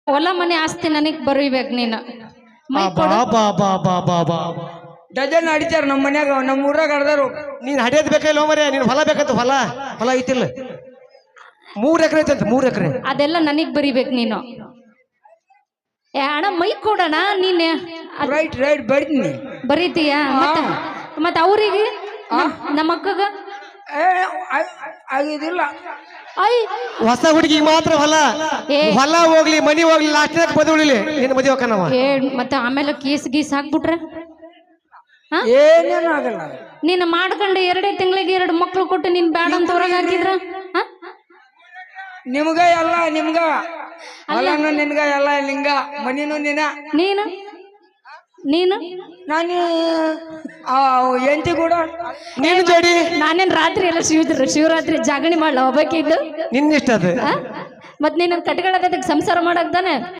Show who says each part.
Speaker 1: ಹೊಲ ಮನೆ ಆಸ್ತಿ ನನಗ್ ಬರೀಬೇಕು ನೀನು ಮೈ ಕೊಡು.
Speaker 2: ಬಾ ಬಾ ಬಾ ಬಾ ಬಾ
Speaker 3: ಡಜನ್ ಅಡಿತಾರ ನಮ್ಮ ಮನ್ಯಾಗ ನಮ್ಮ ಊರಾಗ ಅಡ್ದಾರು.
Speaker 2: ನೀನ್ ಹಡಿಯೋದ್ ಬೇಕಲ್ಲ ಮರೆ ನೀನ್ ಹೊಲ ಬೇಕಂತ ಹೊಲ ಐತಿಲ್ಲ 3 ಎಕರೆ ಐತಂತ 3 ಎಕರೆ
Speaker 1: ಅದೆಲ್ಲ ನನಗ್ ಬರೀಬೇಕು ನೀನು. ಏ ಅಣ್ಣ ಮೈ ಕೊಡೋಣ ನೀನೆ
Speaker 3: ರೈಟ್ ಬರ್ತೀನಿ.
Speaker 1: ಬರೀತೀಯ ಮತ್ತ ಅವ್ರಿಗೆ ನಮ್ಮ ಅಕ್ಕಗ
Speaker 3: ಆಗಿದಿಲ್ಲ.
Speaker 1: ಐ
Speaker 2: ಹೊಸ ಹುಡುಗಿಗೆ ಮಾತ್ರ ಹೊಲ ಹೋಗ್ಲಿ ಮನಿ ಹೋಗ್ಲಿ ಲಾಸ್ಟ್ ಮದುವೆ ಉಳಿಲಿ ನಿನ್ನ ಮದುವೆ ಹೋಗ್ಕನವ.
Speaker 1: ಮತ್ತೆ ಆಮೇಲೆ ಕೇಸ್ ಗೀಸ್ ಹಾಕ್ಬಿಟ್ರೆ
Speaker 3: ಏನೇನು ಆಗಲ್ಲ.
Speaker 1: ನೀನು ಮಾಡ್ಕೊಂಡು 2 ತಿಂಗಳಿಗೆ 2 ಮಕ್ಳು ಕೊಟ್ಟು ನೀನ್ ಬ್ಯಾಡ ಅಂತ ಹೊರಗೆ ಹಾಕಿದ್ರ
Speaker 3: ನಿಮ್ಗ ಎಲ್ಲ ನಿಮ್ಗ ಹೊಲನು ನಿನ್ಗ ಎಲ್ಲ ನಿಂಗ ಮನಿನು
Speaker 1: ನೀನು
Speaker 3: ನಾನು ಎಂತಿ ಕೂಡ
Speaker 2: ನೀನು ಜೋಡಿ
Speaker 1: ನಾನೇನ್ ರಾತ್ರಿ ಎಲ್ಲ ಶಿವರಾತ್ರಿ ಜಾಗಣಿ ಮಾಡ್ಲ ಹೋಗ್ಬೇಕಿದ್ದು
Speaker 2: ನಿನ್ನಿಷ್ಟ ಅದು.
Speaker 1: ಮತ್ ನೀನ್ ಕಟ್ಕೊಳ್ಳೋದಕ್ಕೆ ಸಂಸಾರ ಮಾಡಕ್ ತಾನೆ.